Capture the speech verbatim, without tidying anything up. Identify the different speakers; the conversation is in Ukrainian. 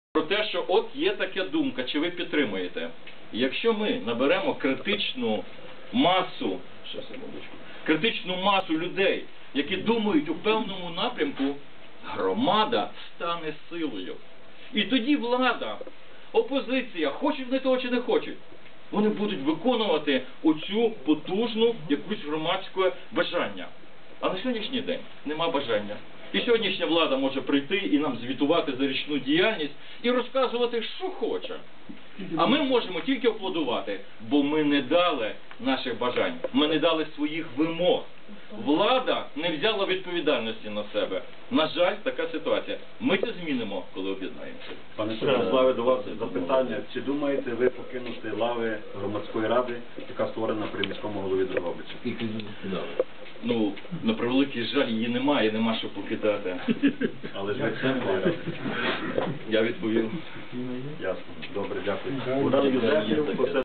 Speaker 1: Про те, що от є така думка, чи ви підтримуєте. Якщо ми наберемо критичну масу, ще секундочку, критичну масу людей, які думають у певному напрямку, громада стане силою. І тоді влада, опозиція, хочуть вони того чи не хочуть, вони будуть виконувати оцю потужну якусь громадське бажання. А на сьогоднішній день нема бажання. І сьогоднішня влада може прийти і нам звітувати за річну діяльність і розказувати, що хоче. А ми можемо тільки аплодувати, бо ми не дали наших бажань, ми не дали своїх вимог. Влада не взяла відповідальності на себе. На жаль, така ситуація. Ми це змінимо, коли об'єднаємося.
Speaker 2: Пане Святославе, до вас запитання. Чи думаєте ви покинути лави громадської ради, яка створена при міському голові Дрогобича?
Speaker 1: Ну, на превеликий жаль, її немає, нема що покидати.
Speaker 2: Але ж ви член ради.
Speaker 1: Я відповів.
Speaker 2: Ясно. Добре, дякую. Богдан Юзефів,